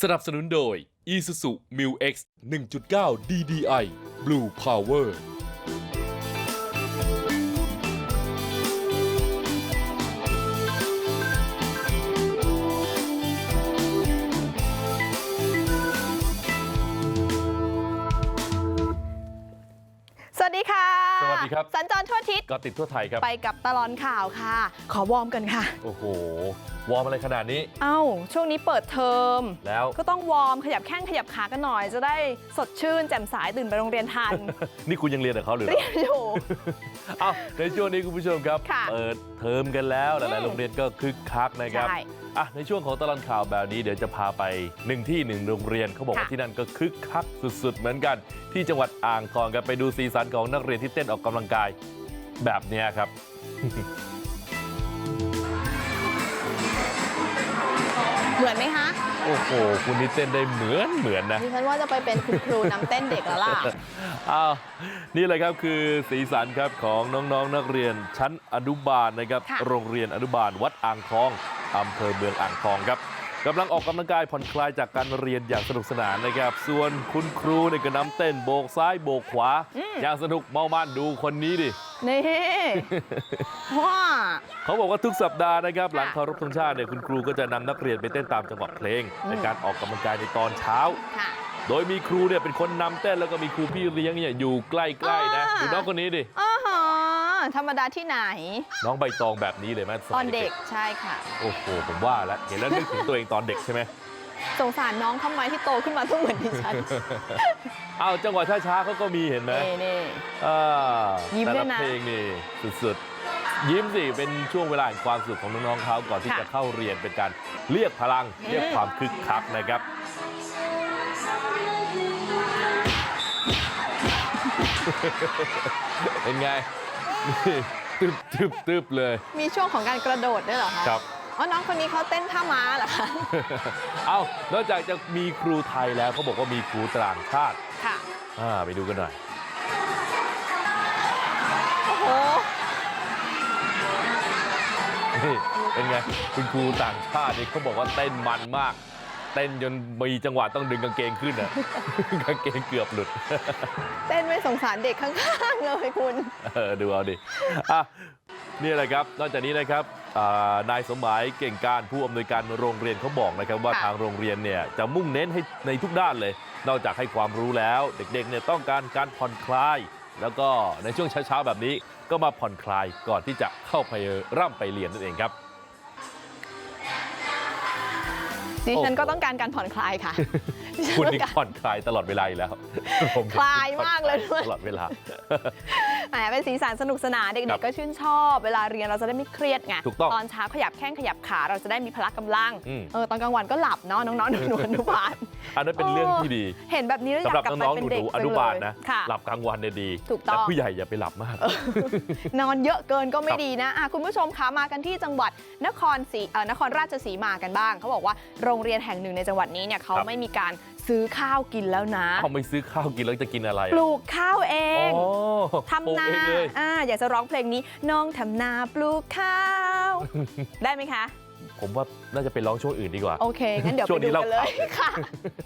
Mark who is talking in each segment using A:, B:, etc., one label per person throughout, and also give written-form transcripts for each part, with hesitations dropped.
A: สนับสนุนโดย Isuzu Mu-X 1.9 DDI Blue Power
B: สวัสดีค่ะ
A: สวัสดีครับ
B: สัญจรทั่วอาทิศ
A: ก็ติดทั่วไทยครับ
B: ไปกับตลอดข่าวค่ะ ขอวอร์มกันค่ะ
A: โอ้โห วอร์มอะไรขนาดนี้
B: ช่วงนี้เปิดเทอม
A: แล้ว
B: ก็ต้องวอร์มขยับแข้งขยับขากันหน่อย จะได้สดชื่นแจ่มใสตื่นไปโรงเรียนทัน
A: นี่คุณยังเรียนกับเขาหรือ
B: เรียนอยู่
A: ในช่วงนี้คุณผู้ชมครับ
B: ค่ะ
A: เปิดเทอมกันแล้วหลายๆโรงเรียนก็คึกคักนะครับ
B: ใช่
A: ในช่วงของตลอดข่าวแบบนี้เดี๋ยวจะพาไป1 ที่ 1 โรงเรียนเขาบอกว่า
B: ค่ะ
A: ที่นั่นก็คึกคักสุดๆเหมือนกันที่จังหวัดอ่างทองกันไปดูสีสันของนักเรียนที่เต้นออกกำลังกายแบบนี้ครับ
B: เหมือนไหมคะ
A: โอ้โหคุณนี่เต้นได้เหมือนนะ
B: ดิฉันว่าจะไปเป็นคุณครูนำเต้นเด็กแล้วล่ะ
A: นี่เลยครับคือสีสันครับของน้องๆนักเรียนชั้นอนุบาลนะครับ
B: ค่ะ
A: โรงเรียนอนุบาลวัดอ่างทองอำเภอเมืองอ่างทองครับกำลังออกกำลังกายผ่อนคลายจากการเรียนอย่างสนุกสนานนะครับ ส่วนคุณครูเนี่ยก็นำเต้นโบกซ้ายโบกขวาอย่างสนุกเมามันดูคนนี้ดิ
B: นี่ ว้า
A: เขาบอกว่าทุกสัปดาห์นะครับหลังเคารพธงชาติเนี่ยคุณครูก็จะนำนักเรียนไปเต้นตามจังหวะเพลงในการออกกำลังกายในตอนเช้า
B: ค่ะ
A: โดยมีครูเนี่ยเป็นคนนำเต้นแล้วก็มีครูพี่เลี้ยงเนี่ยอยู่ใกล้ๆนะดูน้องคนนี้ดิ
B: อ๋อฮะธรรมดาที่ไหน
A: น้องใบตองแบบนี้เลยไหม
B: ตอนเด็กใช่ค่ะ
A: โอ้โหผมว่าแล้วเห็นแล้วนึกถึงตัวเองตอนเด็กใช่ไหม
B: สงสารน้องทำไมที่โตขึ้นมาต้องเหมือนดิฉัน
A: จังหวะช้าๆเขาก็มีเห็นไหม
B: นี่
A: อ่า
B: ยิ้มด้วยนะ
A: แต่ละเพลงนี่สุดๆยิ้มสิเป็นช่วงเวลาแห่งความสุขของน้องๆเขาก่อนที่
B: ค่ะ
A: จะเข้าเรียนเป็นการเรียกพลังเรียกความคึกคักนะครับ เป็นไงนี่ตึบเลย
B: มีช่วงของการกระโดดด้วยเหรอคะ
A: ครับ
B: อ๋อน้องคนนี้เขาเต้นท่าม้าเหรอคะ
A: นอกจากจะมีครูไทยแล้วเขาบอกว่ามีครูต่างชาติ
B: ค่ะ
A: ไปดูกันหน่อย
B: โอ้โห
A: นี่เป็นไงคุณครูต่างชาตินี่เขาบอกว่าเต้นมันมาก เต้นจนมีจังหวะต้องดึงกางเกงขึ้นอ่ะ กางเกงเกือบหลุด
B: เต้นไม่สงสารเด็กข้างๆเลยคุณ
A: ดูเอาดินี่แหละครับนอกจากนี้นะครับนายสมหมายเก่งการผู้อำนวยการโรงเรียนเขาบอกนะครับว่า
B: ค่ะ
A: ทางโรงเรียนเนี่ยจะมุ่งเน้นให้ในทุกด้านเลย นอกจากให้ความรู้แล้ว เด็กๆเนี่ยต้องการผ่อนคลาย แล้วก็ในช่วงเช้าๆแบบนี้ก็มาผ่อนคลายก่อนที่จะเข้าไปร่ำไปเรียนนั่นเองครับ
B: ดิฉันก็ต้องการการผ่อนคลายค่ะ
A: คุณนี่ผ่อนคลายตลอดเวลาอยู่แล้วผม
B: คลายมากเลยด้วย
A: ตลอดเวลา
B: แหมเป็นสีสันสนุกสนานเด็
A: ครั
B: ก
A: บ
B: ๆก็ชื่นชอบเวลาเรียนเราจะได้ไม่เครียดไง
A: ถูกต้อง
B: ตอนเช้าขยับแข้งขยับขาเราจะได้มีพละกำลัง
A: อืม
B: ตอนกลางวันก็หลับเนาะน้องๆหนูๆอนุบาล
A: อันนั้นเป็นเรื่องที่ดี
B: เห็นแบบนี้แล้วอ
A: สำ
B: ยา
A: หรับ
B: กกลับไป
A: น้องๆ
B: เป็น
A: ห
B: เด็ก
A: นูๆอนุบาลนะ
B: ค่ะ
A: หลับกลางวันเนี่ยดี
B: ถูกต้อง
A: แต่ผู้ใหญ่อย่าไปหลับมาก
B: นอนเยอะเกินก็ไม่
A: ครับ
B: ดีนะคุณผู้ชมคะมากันที่จังหวัดนครราชสีมากันบ้างเขาบอกว่าโรงเรียนแห่งหนึ่งในจังหวัดนี้เนี่ยเขาไม่มีการซื้อข้าวกินแล้วนะ
A: เขาไม่ซื้อข้าวกินแล้วจะกินอะไร
B: ปลูกข้าวเอง
A: อ๋อ
B: ทำนา
A: ปลูกเองเลย
B: อยากจะร้องเพลงนี้น้องทำนาปลูกข้าว ได้ไหมคะ
A: ผมว่าน่าจะไปร้องช่วงอื่นดีกว่า
B: โอเค งั้นเดี๋ยว
A: ช่
B: ไป
A: วงนี้
B: ดูกันเลย
A: เล่าข่าว
B: ค่ะ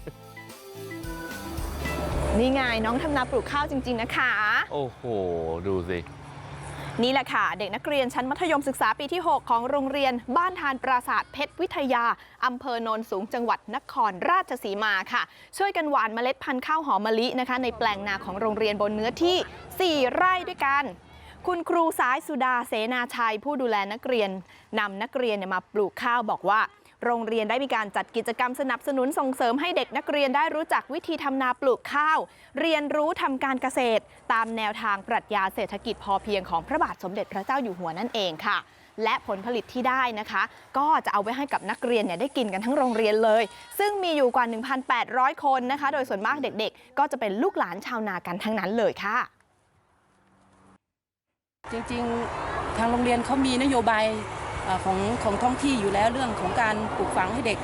B: นี่ไงน้องทำนาปลูกข้าวจริง ๆ นะคะ
A: โอ้โห ดูสิ
B: นี่แหละค่ะ เด็กนักเรียนชั้นมัธยมศึกษาปีที่ 6 ของโรงเรียนบ้านทานปราสาทเพชรวิทยาอำเภอโนนสูงจังหวัดนครราชสีมาค่ะ ช่วยกันหว่านเมล็ดพันธุ์ข้าวหอมมะลินะคะ ในแปลงนาของโรงเรียนบนเนื้อที่ 4 ไร่ด้วยกัน คุณครูสายสุดาเสนาชัยผู้ดูแลนักเรียนนำนักเรียนมาปลูกข้าวบอกว่า โรงเรียนได้มีการจัดกิจกรรมสนับสนุนส่งเสริมให้เด็กนักเรียนได้รู้จักวิธีทำนาปลูกข้าว เรียนรู้ทำการเกษตร ตามแนวทางปรัชญาเศรษฐกิจพอเพียงของพระบาทสมเด็จพระเจ้าอยู่หัวนั่นเองค่ะ และผลผลิตที่ได้นะคะ ก็จะเอาไว้ให้กับนักเรียนได้กินกันทั้งโรงเรียนเลย ซึ่งมีอยู่กว่า 1,800 คนนะคะ โดยส่วนมากเด็กๆ ก็จะเป็นลูกหลานชาวนากันทั้งนั้นเลยค่ะ
C: จริงๆ ทางโรงเรียนเขามีนโยบายของท้องที่อยู่แล้วเรื่องของการปลูกฝังให้เด็ก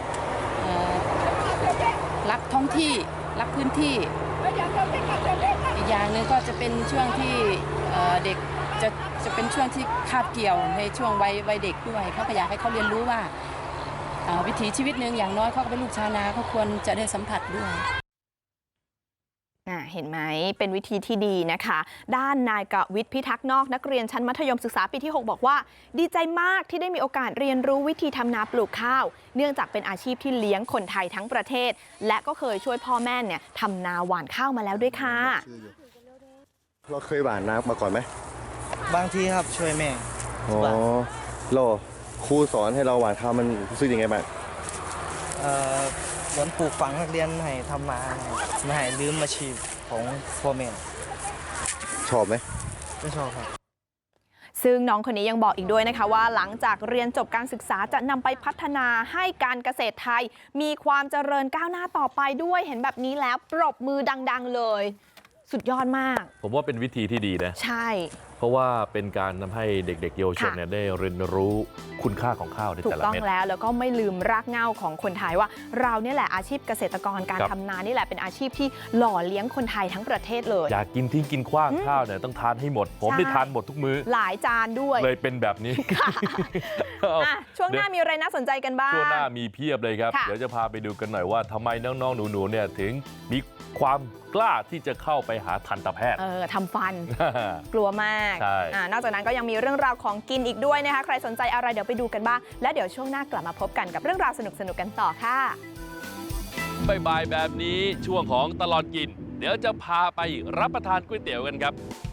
C: รักท้องที่รักพื้นที่อีกอย่างหนึ่งก็จะเป็นช่วงที่เด็กจะเป็นช่วงที่คาบเกี่ยวในช่วงวัยเด็กด้วยเขาก็อยากให้เขาเรียนรู้ว่าวิถีชีวิตหนึ่งอย่างน้อยเขาก็เป็นลูกชาวนาเขาควรจะได้สัมผัสด้วย
B: เห็นไหมเป็นวิธีที่ดีนะคะ ด้านนายกวิทย์พิทักษ์นอกนักเรียนชั้นมัธยมศึกษาปีที่ 6 บอกว่า ดีใจมากที่ได้มีโอกาสเรียนรู้วิธีทำนาปลูกข้าว เนื่องจากเป็นอาชีพที่เลี้ยงคนไทยทั้งประเทศ และก็เคยช่วยพ่อแม่เนี่ยทำนาหว่านข้าวมาแล้วด้วยค่ะ
D: เราเคยหว่านน้ำมาก่อนไหม
E: บางทีครับช่วยแม่
D: อ๋อเราครูสอนให้เราหว่านข้าวมันรู้สึกยังไงบ้าง
E: เหมือนปลูกฝังนักเรียนให้ทำนาไม่ให้ลืมอาชีพของพ่อแม่
D: ชอบไหม
E: ไม่ชอบครับ
B: ซึ่งน้องคนนี้ยังบอกอีกด้วยนะคะว่าหลังจากเรียนจบการศึกษาจะนำไปพัฒนาให้การเกษตรไทย มีความเจริญก้าวหน้าต่อไปด้วยเห็นแบบนี้แล้วปรบมือดังๆเลย สุดยอดมาก
A: ผมว่าเป็นวิธีที่ดีนะ
B: ใช่
A: เพราะว่าเป็นการทำให้เด็กๆเยาวชน
B: ค่ะ
A: เนี่ยได้เรียนรู้คุณค่าของข้าวใน
B: ถู
A: แต่
B: ก
A: ละ
B: ต้อง
A: เม็ด
B: แล้วก็ไม่ลืมรากเหง้าของคนไทยว่า เราเนี่ยแหละอาชีพเกษตรกรการ
A: ครับ
B: ทำนานี่แหละเป็นอาชีพที่หล่อเลี้ยงคนไทยทั้งประเทศเลย
A: อยากกินทิ้งกินขว้างข้าวเนี่ยต้องทานให้หมด ผม
B: ใช่
A: ได้ทานหมดทุกมื้อ
B: หลายจานด้วย
A: เลยเป็นแบบนี้
B: ค่ะ
A: เอา
B: อ่ะช่วงหน้ามีอะไรน่าสนใจกันบ้าง
A: ช่วงหน้ามีเพียบเลยครับ
B: ค่ะ
A: เดี๋ยวจะพาไปดูกันหน่อยว่าทำไมน้องๆหนูๆเนี่ยถึงมีความกล้าที่จะเข้าไปหาทันตแพทย์
B: ทำฟัน กลัวมาก
A: ใช่
B: นอกจากนั้นก็ยังมีเรื่องราวของกินอีกด้วยนะคะ ใครสนใจอะไรเดี๋ยวไปดูกันบ้าง แล้วเดี๋ยวช่วงหน้ากลับมาพบกันกับเรื่องราวสนุกๆกันต่อค่ะ
A: บ่ายๆแบบนี้ช่วงของตลอดกิน เดี๋ยวจะพาไปรับประทานก๋วยเตี๋ยวกันครับ